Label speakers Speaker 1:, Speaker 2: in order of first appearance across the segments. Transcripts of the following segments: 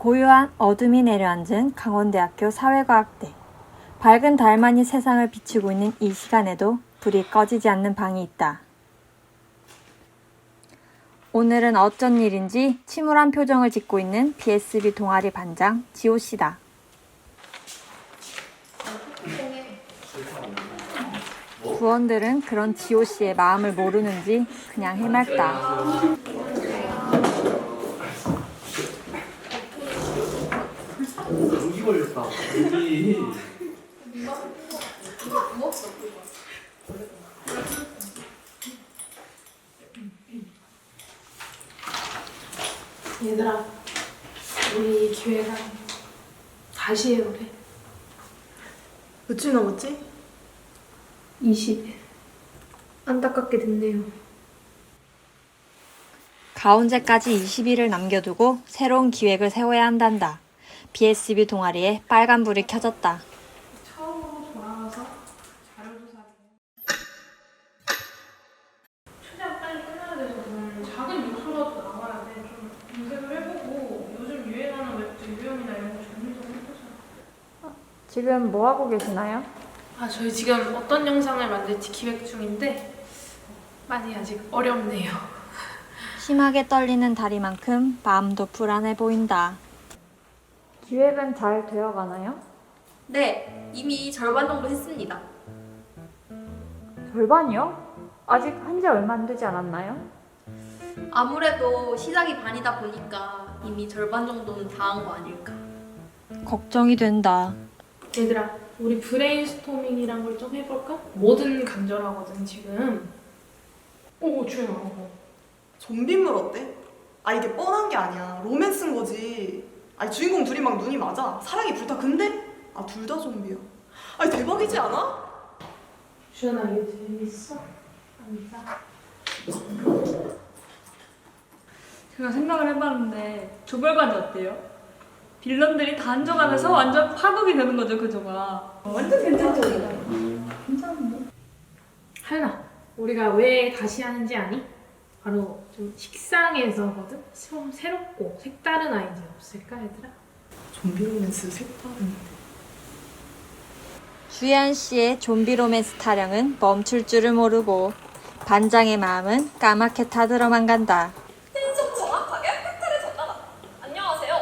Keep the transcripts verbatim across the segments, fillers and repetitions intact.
Speaker 1: 고요한 어둠이 내려앉은 강원대학교 사회과학대. 밝은 달만이 세상을 비추고 있는 이 시간에도 불이 꺼지지 않는 방이 있다. 오늘은 어쩐 일인지 침울한 표정을 짓고 있는 비에스비 동아리 반장 지호씨다. 부원들은 그런 지호씨의 마음을 모르는지 그냥 해맑다.
Speaker 2: 감기 걸렸다. 여기.
Speaker 3: 얘들아, 우리 기획안 다시 해보래.
Speaker 4: 며칠 남았지?
Speaker 3: 이십 일. 안타깝게 됐네요.
Speaker 1: 가온제까지 이십 일을 남겨두고 새로운 기획을 세워야 한단다. 비에스비 동아리에 빨간불이 켜졌다.
Speaker 3: 처음으로 돌아가서 자료조사를 최대한 빨리 끝내야 돼서 오늘 작은 요소라도 나와야 돼. 좀 검색을 해보고 요즘 유행하는 웹툰 유형이나 이런 거 정리 좀 해보자.
Speaker 1: 지금 뭐 하고 계시나요?
Speaker 3: 아, 저희 지금 어떤 영상을 만들지 기획 중인데 많이 아직 어렵네요.
Speaker 1: 심하게 떨리는 다리만큼 마음도 불안해 보인다. 기획은 잘 되어가나요?
Speaker 5: 네, 이미 절반 정도 했습니다.
Speaker 1: 절반이요? 아직 한 지 얼마 안 되지 않았나요?
Speaker 5: 아무래도 시작이 반이다 보니까 이미 절반 정도는 다 한 거 아닐까.
Speaker 1: 걱정이 된다.
Speaker 3: 얘들아, 우리 브레인스토밍이란 걸 좀 해볼까? 뭐든 간절하거든 지금. 오, 주연아. 어.
Speaker 4: 좀비물 어때? 아 이게 뻔한 게 아니야. 로맨스인 거지. 아니 주인공 둘이 막 눈이 맞아. 사랑이 불타. 근데 아 둘 다 좀비야. 아니 대박이지 않아?
Speaker 3: 주연아, 이게 재밌어? 아니다.
Speaker 6: 제가 생각을 해봤는데 조별과제 어때요? 빌런들이 다 앉아가면서 완전 파국이 되는 거죠, 그 조가. 완전 괜찮죠? 괜찮은데?
Speaker 3: 할나, 우리가 왜 다시 하는지 아니? 바로 좀 식상해서거든? 좀 새롭고 색다른 아이디어 없을까, 얘들아?
Speaker 4: 좀비 로맨스 색다른.
Speaker 1: 주연 씨의 좀비 로맨스 타령은 멈출 줄을 모르고 반장의 마음은 까맣게 타들어만 간다.
Speaker 5: 신속 정확하게 팩트를 전달한다. 안녕하세요.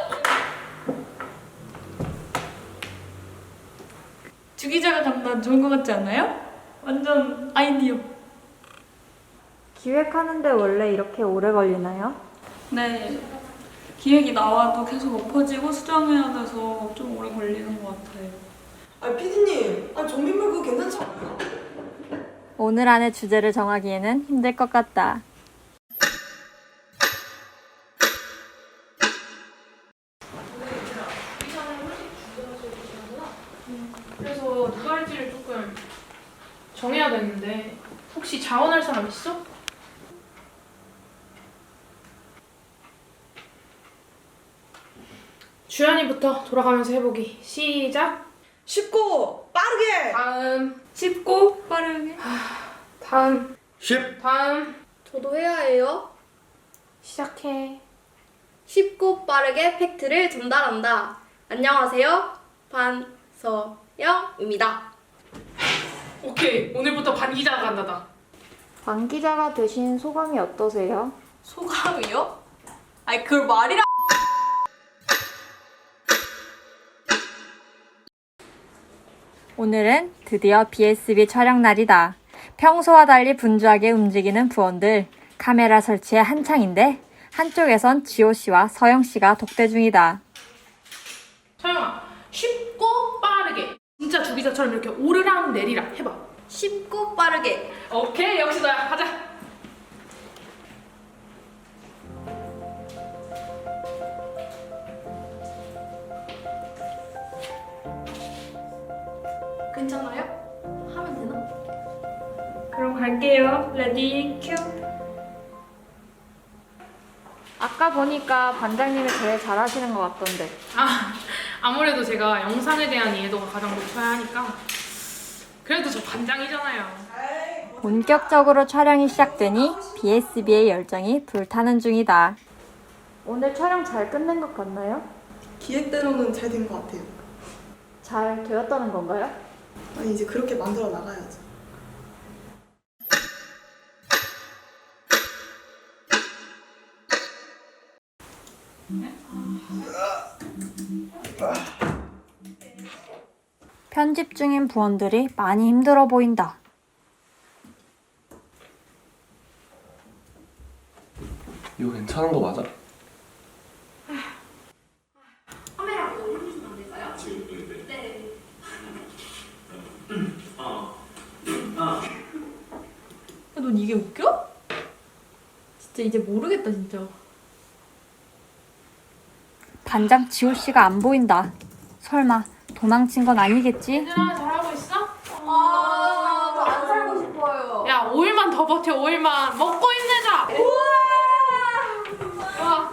Speaker 6: 주 기자가 간다 좋은 것 같지 않나요? 완전 아이디어.
Speaker 1: 기획하는데 원래 이렇게 오래 걸리나요?
Speaker 6: 네. 기획이 나와도 계속 엎어지고 수정해야 돼서 좀 오래 걸리는 것 같아요.
Speaker 4: 아니 피디님, 아니 좀비물 그거 괜찮지 않아요?
Speaker 1: 오늘 안에 주제를 정하기에는 힘들 것 같다.
Speaker 3: 그래서 누가 할지를 조금 정해야 되는데 혹시 자원할 사람 있어? 주연이부터 돌아가면서 해보기. 시작!
Speaker 4: 쉽고 빠르게.
Speaker 3: 다음,
Speaker 6: 쉽고 빠르게.
Speaker 3: 다음,
Speaker 2: 십.
Speaker 3: 다음.
Speaker 5: 저도 해야 해요.
Speaker 3: 시작해.
Speaker 5: 쉽고 빠르게 팩트를 전달한다. 안녕하세요. 반서영입니다.
Speaker 3: 오케이, 오늘부터 반 기자가 간다다.
Speaker 1: 반 기자가 되신 소감이 어떠세요?
Speaker 5: 소감이요? 아니, 그걸 말이라.
Speaker 1: 오늘은 드디어 비에스비 촬영 날이다. 평소와 달리 분주하게 움직이는 부원들. 카메라 설치에 한창인데 한쪽에선 지호씨와 서영씨가 독대 중이다.
Speaker 3: 서영아, 쉽고 빠르게. 진짜 주기자처럼 이렇게 오르락 내리락 해봐.
Speaker 5: 쉽고 빠르게.
Speaker 3: 오케이, 역시 너야. 가자.
Speaker 5: 괜찮아요? 하면 되나?
Speaker 6: 그럼 갈게요. 레디 큐.
Speaker 1: 아까 보니까 반장님이 제일 잘하시는 것 같던데.
Speaker 3: 아, 아무래도 제가 영상에 대한 이해도가 가장 높아야 하니까. 그래도 저 반장이잖아요.
Speaker 1: 본격적으로 촬영이 시작되니 비에스비의 열정이 불타는 중이다. 오늘 촬영 잘 끝낸 것 같나요?
Speaker 4: 기획대로는 잘 된 것 같아요.
Speaker 1: 잘 되었다는 건가요?
Speaker 4: 아니 이제 그렇게 만들어 나가야죠.
Speaker 1: 편집 중인 부원들이 많이 힘들어 보인다.
Speaker 2: 이거 괜찮은 거 맞아?
Speaker 5: 카메라 좀 해주시면 안 될까요? 네.
Speaker 6: 야, 넌 이게 웃겨? 진짜 이제 모르겠다 진짜.
Speaker 1: 반장 지호 씨가 안 보인다. 설마 도망친 건 아니겠지?
Speaker 3: 얘들아 잘하고 있어?
Speaker 5: 아, 저 안 살고 싶어요.
Speaker 3: 야 오 일만 더 버텨 오 일만 먹고 힘내자. 와.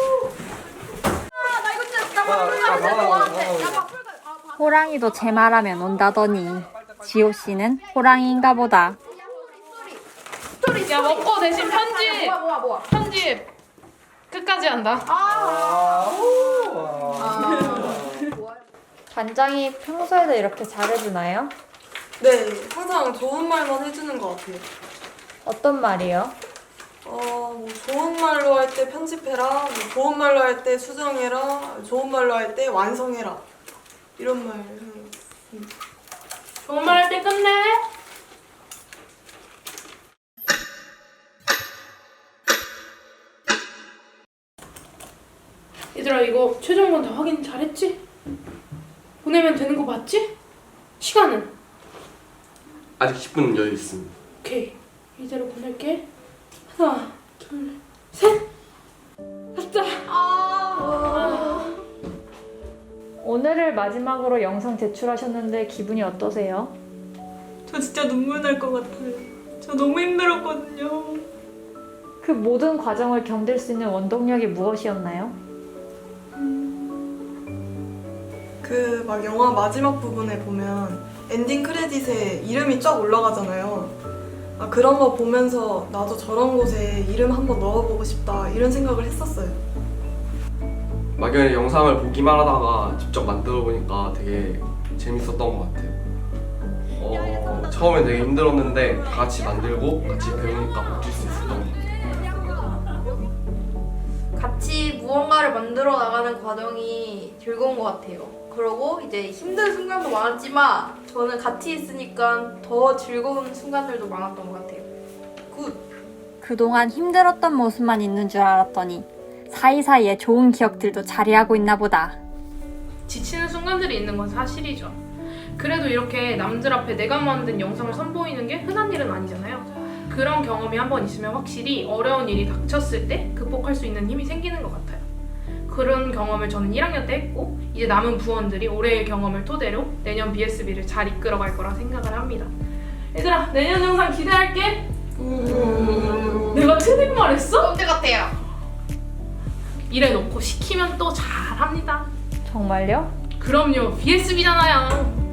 Speaker 5: 나 이거 진짜 나 바꿀 거야. 진짜 너한테. 나 바꿀 거야. 아, 바-
Speaker 1: 호랑이도 제 말하면 온다더니 지호 씨는 호랑이인가 보다.
Speaker 5: 스토리.
Speaker 3: 야 먹고 대신 편집
Speaker 5: 뭐야 뭐야 뭐야.
Speaker 3: 편집 끝까지 한다.
Speaker 5: 아.
Speaker 1: 반장이 평소에도 이렇게 잘해주나요?
Speaker 4: 네, 항상 좋은 말만 해주는 것 같아요.
Speaker 1: 어떤 말이요?
Speaker 4: 어, 뭐 좋은 말로 할 때 편집해라, 뭐 좋은 말로 할 때 수정해라, 좋은 말로 할 때 완성해라. 이런 말 하는 것 같습니다.
Speaker 3: 좋은 말 할 때 끝내. 얘들아 이거 최종본 다 확인 잘했지? 보내면 되는 거 맞지? 시간은?
Speaker 2: 아직 십 분 여유 있습니다.
Speaker 3: 오케이 이대로 보낼게. 하나 둘셋 갔다. 아.
Speaker 1: 오늘을 마지막으로 영상 제출하셨는데 기분이 어떠세요?
Speaker 6: 저 진짜 눈물 날 것 같아요. 저 너무 힘들었거든요.
Speaker 1: 그 모든 과정을 견딜 수 있는 원동력이 무엇이었나요?
Speaker 4: 그 막 영화 마지막 부분에 보면 엔딩 크레딧에 이름이 쫙 올라가잖아요. 아, 그런 거 보면서 나도 저런 곳에 이름 한번 넣어보고 싶다 이런 생각을 했었어요.
Speaker 2: 막연히 영상을 보기만 하다가 직접 만들어 보니까 되게 재밌었던 것 같아요. 어, 처음엔 되게 힘들었는데 다 같이 만들고 같이 배우니까 바뀔 수 있었던 것 같아요.
Speaker 5: 같이 무언가를 만들어 나가는 과정이 즐거운 것 같아요. 그러고 이제 힘든 순간도 많았지만 저는 같이 있으니까 더 즐거운 순간들도 많았던 것 같아요. 굿!
Speaker 1: 그동안 힘들었던 모습만 있는 줄 알았더니 사이사이에 좋은 기억들도 자리하고 있나 보다.
Speaker 3: 지치는 순간들이 있는 건 사실이죠. 그래도 이렇게 남들 앞에 내가 만든 영상을 선보이는 게 흔한 일은 아니잖아요. 그런 경험이 한 번 있으면 확실히 어려운 일이 닥쳤을 때 극복할 수 있는 힘이 생기는 것 같아요. 그런 경험을 저는 일 학년 때 했고 이제 남은 부원들이 올해의 경험을 토대로 내년 비에스비를 잘 이끌어갈 거라 생각을 합니다. 얘들아 내년 영상 기대할게. 내가 틀린 말 했어?
Speaker 5: 언제 같아요?
Speaker 3: 이래놓고 시키면 또 잘합니다.
Speaker 1: 정말요?
Speaker 3: 그럼요 비에스비잖아요.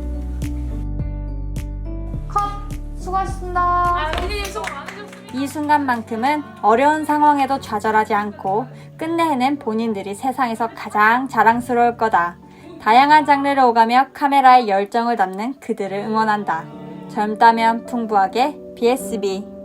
Speaker 1: 수고하셨습니다.
Speaker 3: 아 선생님 수고 많으셨습니다.
Speaker 1: 이 순간만큼은 어려운 상황에도 좌절하지 않고 끝내 해낸 본인들이 세상에서 가장 자랑스러울 거다. 다양한 장르를 오가며 카메라에 열정을 담는 그들을 응원한다. 젊다면 풍부하게 비에스비.